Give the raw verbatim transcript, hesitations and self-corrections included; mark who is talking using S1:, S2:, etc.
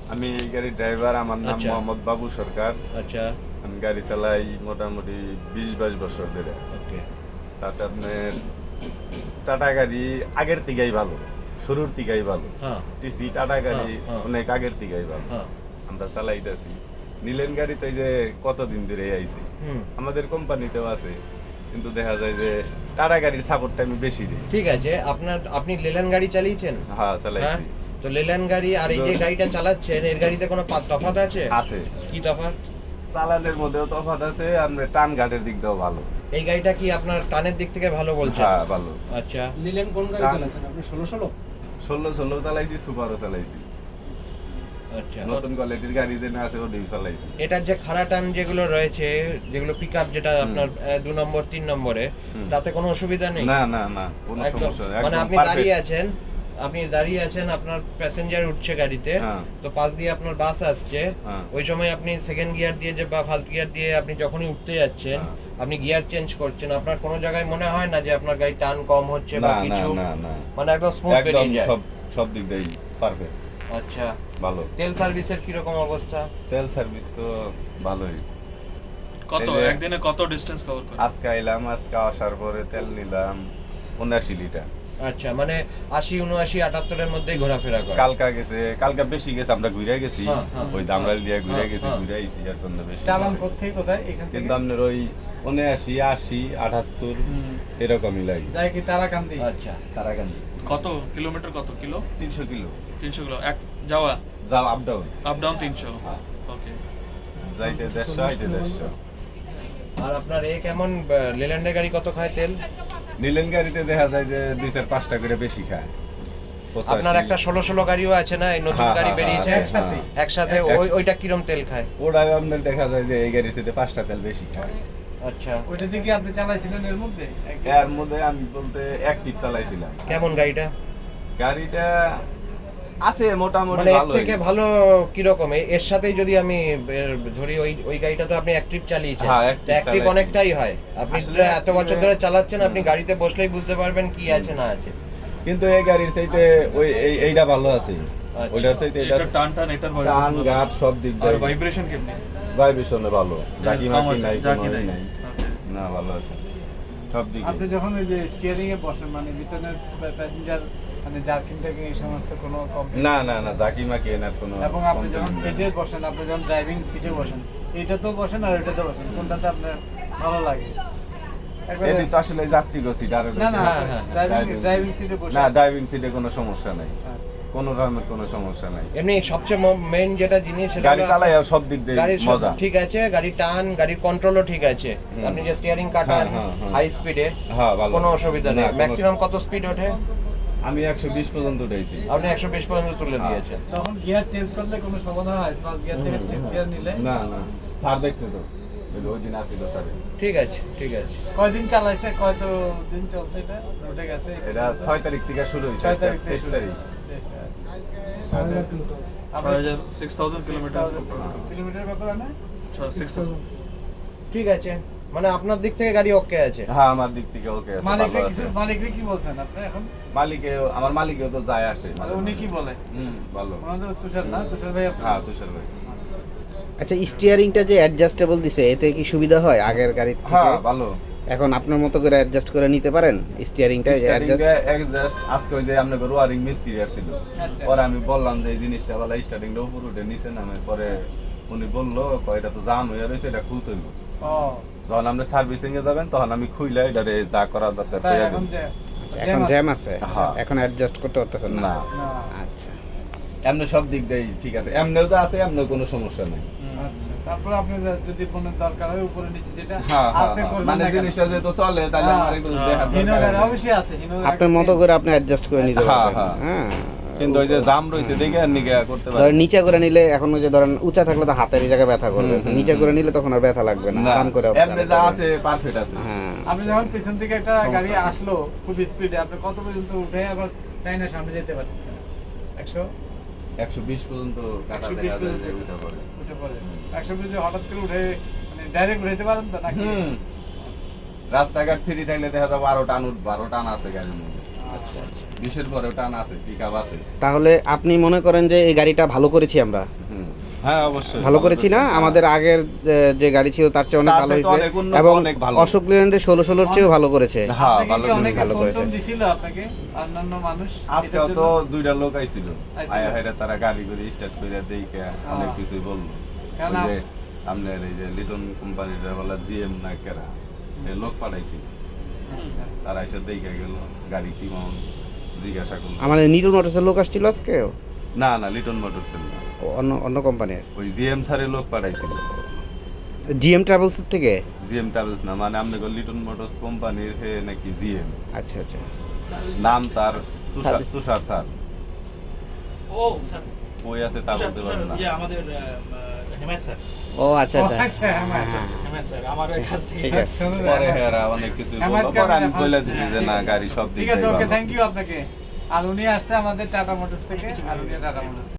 S1: আমি এই গাড়ির ড্রাইভার, আমার নাম
S2: আচ্ছা।
S1: মোহাম্মদ বাবু সরকার।
S2: আচ্ছা,
S1: আমি গাড়ি চালাই মোটামুটি বিশ বাইশ বছর ধরে।
S2: ওকে।
S1: তাতে আপনার টাটা গাড়ি আগের থেকেই ভালো, শুরুর থেকেই ভালো।
S2: হ্যাঁ,
S1: টিসি টাটা গাড়ি
S2: হ্যাঁ, হ্যাঁ।
S1: অনেক আগের থেকেই ভালো।
S2: হ্যাঁ,
S1: আমরা চালাইতেছি। নিলেন গাড়ি তো এই যে কতদিন ধরে আইছে,
S2: হুম।
S1: আমাদের কোম্পানিতেও আছে, কিন্তু দেখা যায় যে টাটা গাড়ির সাপোর্টটা আমি বেশি দিই।
S2: ঠিক আছে, আপনার আপনি লেল্যান্ড গাড়ি চালিয়েছেন?
S1: হ্যাঁ,
S2: হ্যাঁ,
S1: চালাইছি।
S2: তো লেল্যান্ড গাড়ি আর এই যে
S1: তো-
S2: গাড়িটা চালাচ্ছেন এর গাড়িতে কোনো পা- তফাৎ আছে?
S1: আছে।
S2: কি তফাৎ?
S1: চালানের মধ্যেও তফাৎ আছে, আমরা টান ঘাটের দিক দিয়েও ভালো।
S2: এই গাড়িটা কি আপনার টানের দিক থেকে ভালো বলছেন?
S1: হ্যাঁ, ভালো।
S2: আচ্ছা,
S3: নিলেন কোন গাড়ি
S1: টান-
S3: চালাচ্ছেন আপনি? ষোলো ষোলো
S1: ষোলো ষোলো চালাইছি, সুপারও চালাইছি।
S2: আচ্ছা।
S1: নতুন কোয়ালিটির গাড়ি যে না আছে ওটাই চালাইছি।
S2: এটার যে খাড়া টান যেগুলো রয়েছে, যেগুলো পিকআপ যেটা
S1: হুম।
S2: আপনার আহ, দু নম্বর তিন নম্বরে,
S1: হুম।
S2: তাতে কোনো অসুবিধা নেই?
S1: না না না, কোনো
S2: একদম,
S1: সমস্যা নেই,
S2: মানে
S1: একদম
S2: আপনি
S1: perfect।
S2: দাঁড়িয়ে আছেন, আপনি দাঁড়িয়ে আছেন, আপনার প্যাসেঞ্জার উঠছে গাড়িতে,
S1: হ্যাঁ।
S2: তো পাশ দিয়ে আপনার বাস আসছে,
S1: হ্যাঁ।
S2: ওই সময় আপনি সেকেন্ড গিয়ার দিয়ে যে বা ফার্স্ট গিয়ার দিয়ে আপনি যখনই উঠতে যাচ্ছেন,
S1: হ্যাঁ।
S2: আপনি গিয়ার চেঞ্জ করছেন, আপনার কোনো জায়গায় মনে হয় না যে আপনার গাড়ি টান কম হচ্ছে বা
S1: না না
S2: কিছু?
S1: না না,
S2: মানে একদম স্মুথ
S1: একদম
S2: বেরিয়ে যায়।
S1: সব সব দিক দিয়েই পারফেক্ট,
S2: আচ্ছা,
S1: ভালো।
S2: তেল সার্ভিসের কি রকম অবস্থা?
S1: তেল সার্ভিস তো ভালোই।
S4: কত
S1: এই যে-
S4: একদিনে কত ডিসটেন্স কভার করে?
S1: আজকে আইলাম, আজকে আসার পরে তেল নিলাম উনআশি লিটার।
S2: আচ্ছা, মানে আশি উনআশি আটাত্তরের মধ্যেই ঘোরাফেরা করে?
S1: কালকা গেছে, কালকা বেশি গেছে, আমরা ঘুরে গেছি,
S2: হ্যাঁ, হ্যাঁ,
S1: ওই দামরাল দিয়ে ঘুরে
S2: হ্যাঁ,
S1: গেছি,
S2: হ্যাঁ।
S1: ঘুরে আইছি, এর জন্য বেশি
S3: চালান
S1: গেছে।
S3: কোথায় কোথায় এখান থেকে?
S1: কিন্তু আপনার ওই উনআশি আশি আটাত্তর
S3: হুম।
S1: এরকমই লাগে।
S3: যায় কি তারাকান্দি?
S2: আচ্ছা,
S1: তারাকান্দি
S4: কত কিলোমিটার, কত কিলো?
S1: তিনশো কিলো
S4: তিনশো কিলো এক যাওয়া,
S1: যাও, আপ ডাউন,
S4: আপ ডাউন তিনশো। ওকে।
S1: যাইতে দেড়শো আইতে দেড়শো।
S2: আর আপনার এ কেমন, লেল্যান্ডের গাড়ি কত খায় তেল?
S1: নিলেন গাড়িতে দেখা যায় যে দুই চার পাঁচটা করে বেশি খায়। পঁচাশি।
S2: আপনার একটা ষোলো ষোলো গাড়িও আছে না, এই নতুন
S1: হ্যাঁ,
S2: গাড়ি
S1: হ্যাঁ,
S2: বেরিয়েছে
S1: হ্যাঁ,
S3: একসাথে?
S1: হ্যাঁ।
S2: একসাথে, ওই
S1: একসাথে।
S2: ওইটা কিরম তেল খায়?
S1: ওটা আপনার দেখা যায় যে এই গাড়ির সাথে পাঁচটা তেল বেশি খায়।
S2: আচ্ছা,
S3: ওইটা দিকে আপনি চালাইছিলেন এর মধ্যে? একদিন?
S1: এর মধ্যে আমি বলতে এক টিপ চালাইছিলাম।
S2: কেমন গাড়িটা?
S1: গাড়িটা আছে মোটামুটি
S2: মানে এর
S1: ভালো।
S2: থেকে ভালো কিরকম? এ- এর সাথেই যদি আমি এর ধরি, ওই ওই গাড়িটা তো আপনি অ্যাক্টিভ চালিয়েছেন,
S1: হ্যাঁ, active
S2: অ্যাক্টিভ
S1: চালাইছি।
S2: অনেকটাই হয়, আপনি
S1: আসলে
S2: প্রায় এত বছর
S1: active-
S2: ধরে চালাচ্ছেন, আপনি
S1: হুম।
S2: গাড়িতে বসলেই বুঝতে পারবেন কি আছে না আছে।
S1: কিন্তু এই গাড়ির চাইতে ওই এই এইটা ভালো আছে,
S2: আচ্ছা।
S1: ওইটার চাইতে এটা
S4: এটা টান টান, এটার
S1: টান গাট সব দিক
S4: আর
S1: দিয়ে
S4: ভাইব্রেশন কেমনে?
S1: ভাইব্রেশনে ভালো, জাকি
S4: কম
S1: মাকি
S4: আছে,
S1: নাই,
S4: জাকি
S1: কোনো
S4: নাই।
S1: ই নাই,
S4: ওকে।
S1: না ভালো আছে সব দিকে।
S3: আপনি যখন ওই যে স্টিয়ারিং এ বসেন, মানে ভিতরের প্যাসেঞ্জার মানে জার্কিং টার্কিং এই সমস্ত কোনো কমপ্লেন?
S1: না না না, জাকি মাকি এনার কোনো।
S3: এবং আপনি যখন সিটে বসেন, আপনি যখন ড্রাইভিং সিটে বসেন, এইটাতেও বসেন আর ওইটাতেও বসেন, কোনটাতে আপনার ভালো লাগে? একবারে-
S1: এটি তো আসলে যাত্রীগো সিট আর
S3: না না,
S2: হ্যাঁ, হ্যাঁ,
S3: ড্রাইভিং
S1: driving
S3: ড্রাইভিং
S1: seat।
S3: সিটে বসে।
S1: না, ড্রাইভিং সিটে কোনো সমস্যা নাই,
S3: আচ্ছা।
S1: কোনো রকমের কোনো সমস্যা নাই।
S2: এমনি সবচেয়ে মেইন যেটা জিনিস সেটা
S1: গাড়ি
S2: হলো
S1: চালাই সব দিক দিয়ে
S2: গাড়ির সব
S1: মজা।
S2: ঠিক আছে, গাড়ির টান, গাড়ির কন্ট্রোলও ঠিক আছে,
S1: হুম।
S2: আপনি যে স্টিয়ারিং কাটান
S1: হ্যাঁ, হ্যাঁ, হ্যাঁ।
S2: হাই স্পিডে,
S1: হ্যাঁ, ভালো।
S2: কোনো অসুবিধা নেই।
S1: না, কোনো-
S2: ম্যাক্সিমাম কত স্পিড ওঠে?
S1: আমি একশো বিশ পর্যন্ত উঠাইছি।
S2: আপনি একশো বিশ পর্যন্ত তুলে
S1: হ্যাঁ।
S2: দিয়েছেন।
S3: তখন গিয়ার চেঞ্জ করলে কোনো সমাধান হয়? পাঁচ গিয়ার থেকে
S2: হুম,
S3: সিক্স
S2: হুম।
S3: গিয়ার নিলে?
S1: না না, স্যার দেখছে তো, ওই যে ওই দিন আসছিল স্যারে।
S2: ঠিক আছে, ঠিক আছে।
S3: কয়দিন চালাইছে, কত দিন চলছে এটা? উঠে গেছে?
S1: এটা ছয় তারিখ থেকে শুরু হয়েছে,
S3: ছয় তারিখ থেকে
S1: তেইশ
S3: শুরু।
S1: তারিখ।
S3: তেইশ, আচ্ছা।
S1: ছয় তারিখ।
S4: ছয় হাজার সিক্স থাউজেন্ড কিলোমিটার।
S3: কিলোমিটার কত জানে?
S4: Six thousand.
S2: ঠিক আছে, মানে আপনার দিক থেকে গাড়ি ওকে আছে?
S1: হ্যাঁ, আমার দিক থেকে ওকে আছে,
S3: মালিককে
S1: ভালো
S3: কিছু
S1: আছে।
S3: মালিককে কি বলছেন আপনি এখন?
S1: মালিকে, আমার মালিকেও তো যায় আসে মাঝে
S3: উনি
S1: মাঝে।
S3: কি বলে?
S1: হুম, ভালো।
S3: ওনাদের তুষার না, তুষার ভাই আপনার?
S1: হ্যাঁ, তুষার ভাই।
S5: আচ্ছা, স্টিয়ারিংটা যে অ্যাডজাস্টেবল দিছে, এতে কি সুবিধা হয় আগের গাড়ির থেকে?
S1: হ্যাঁ, ভালো।
S5: এখন আপনার মতো করে অ্যাডজাস্ট করে নিতে পারেন স্টিয়ারিংটা, যে অ্যাডজাস্ট?
S1: স্টার্টিংটা এক্সাস্ট আজকে ওই যে আপনার ওয়ারিং মিস্ত্রি আসছিল,
S3: আচ্ছা।
S1: পরে আমি বললাম যে এই জিনিসটা বলা স্টার্টিংটা উপর উঠে নিচে নামে, পরে উনি বললো কয় এটা তো জাম হয়ে রয়েছে, এটা খুলতে হইব।
S3: ও,
S1: যখন আপনি সার্ভিসিং এ যাবেন তখন আমি খুইলা এটারে যা করা দরকার
S3: তাই
S1: করে
S3: এখন
S1: দিই।
S3: যে
S5: এখন জ্যাম আছে,
S1: হ্যাঁ।
S5: এখন অ্যাডজাস্ট করতে পারতেছেন না?
S1: না,
S3: না,
S5: আচ্ছা,
S1: এমনি সব দিক দিয়ে ঠিক আছে, এমনিও যা আছে এমনিও কোনো সমস্যা নেই।
S3: আচ্ছা। তারপর আপনি যদি মনের দরকার হয় উপরে নিচে যেটা
S1: হ্যাঁ, হ্যাঁ,
S3: আছে
S1: হ্যাঁ।
S3: করবেন
S1: মানে
S3: না কেন?
S1: জিনিসটা যেহেতু চলে তাহলে
S3: হ্যাঁ,
S1: আমার একটু
S4: হ্যাঁ।
S1: দেখার
S3: হিনো
S1: দরকার
S3: গাড়ি
S1: আছে।
S3: অবশ্যই আছে, হিনো গাড়ি
S5: আপনার মতো করে আপনি অ্যাডজাস্ট করে নিতে
S1: হ্যাঁ,
S5: পারবেন।
S1: হ্যাঁ।
S5: হ্যাঁ,
S1: কিন্তু ওই যে জাম রয়েছে দেখে আর নিকে করতে
S5: ধরেন
S1: পারি।
S5: নিচে করে নিলে, এখন ওই যে ধরেন উঁচা থাকলে তো হাতের এই জায়গায় ব্যথা করবে,
S1: হুম,
S5: তো
S1: হুম,
S5: নিচে
S1: হুম।
S5: করে নিলে তখন আর ব্যথা লাগবে না,
S1: না,
S5: আরাম করে
S1: এমনি যা আছে পারফেক্ট আছে।
S5: হ্যাঁ।
S3: আপনি যখন পিছন থেকে একটা
S1: সমস্যা
S3: গাড়ি
S1: নেই।
S3: আসলো খুব স্পিডে, আপনি কত পর্যন্ত উঠে আবার তাই না সামনে যেতে পারতেছেন? একশো
S1: একশো বিশ পর্যন্ত কাটা
S3: একশো বিশ
S1: দেখা যায় যে
S3: পর্যন্ত
S1: ওইটা করে।
S3: উঠে পড়ে। একশো বিশে হঠাৎ করে উঠে মানে ডাইরেক্ট উঠাইতে পারেন তো নাকি?
S1: হুম। রাস্তাঘাট ফ্রি থাকলে দেখা যাবে আরো টান উঠবে, আরো টান আছে গাড়ির মধ্যে।
S5: আচ্ছা আচ্ছা
S1: বিশের পরেও টান আছে, পিকআপ আছে।
S5: তাহলে আপনি মনে করেন যে এই গাড়িটা ভালো করেছি আমরা?
S1: হুম। হ্যাঁ অবশ্যই
S5: ভালো করেছি না?
S1: হ্যাঁ।
S5: আমাদের আগের যে- যে গাড়ি ছিল তার চেয়ে অনেক
S1: তার
S5: ভালো
S1: চেয়ে তো
S5: হয়েছে
S1: অনেক উন্নত,
S5: এবং
S1: অনেক ভালো।
S5: অশোক লেল্যান্ডের ষোলো ষোলোর চেয়েও ভালো করেছে।
S1: হ্যাঁ
S3: আপনাকে
S1: ভালো
S3: কি
S1: করে
S3: অনেকে
S5: ভালো
S3: ফোন
S5: করেছে।
S3: টোন দিছিল আপনাকে অন্যান্য মানুষ
S1: আজকেও
S3: এটার
S1: তো
S3: জন্য?
S1: দুইটা লোক আইছিল,
S3: আইছিল।
S1: আয়া হেরা তারা গাড়ি করে স্টার্ট করে দেখে অনেক কিছুই বললো।
S3: কারণ
S1: ওই
S3: আপ-
S1: যে আপনার এই যে লিটন কোম্পানির বলা জিএম না কেরা এই লোক পাঠাইছি,
S3: আচ্ছা।
S1: তারা এসে দেখে গেল গাড়ি কি মাউন জিজ্ঞাসা করলো।
S5: আমাদের নিটন মোটরসের লোক আসছিল আজকে?
S1: না না লিটন মোটরস না,
S5: ও, অন্য অন্য কোম্পানির
S1: ওই জিএম স্যারের লোক পাঠাইছিল।
S5: জিএম ট্রাভেলসের থেকে?
S1: জিএম ট্রাভেলস না, মানে আপনাকে লিটন মোটরস কোম্পানির হে নাকি জিএম,
S5: আচ্ছা আচ্ছা
S1: নাম তার তুষার
S5: Service.
S1: তুষার স্যার।
S6: ও স্যার
S1: ওই আছে তা
S6: তুষার-
S1: বলতে
S6: তুষার,
S1: পারেন না।
S6: ইয়ে, আমাদের আহ, আহ, হেমায়ত স্যার
S5: ও আচ্ছা
S3: ও,
S5: আচ্ছা
S3: আচ্ছা, হ্যাঁ,
S5: হ্যাঁ, হ্যাঁ।
S6: হেমায়ত স্যার আমার কাছ থেকে
S5: ঠিক আছে।
S3: সুন্দর।
S1: পরে হেরা অনেক কিছু
S3: আমার
S1: বললো, পরে আমি
S3: ক্যামেরা
S1: বলে
S3: ফোন-
S1: দিছি যে না গাড়ি সব দিক
S3: ঠিক আছে,
S1: দিয়ে
S3: ওকে,
S1: ভালো।
S3: থ্যাংক ইউ আপনাকে। আর উনি আসছে আমাদের টাটা মোটরস থেকে, আর উনি টাটা মোটরস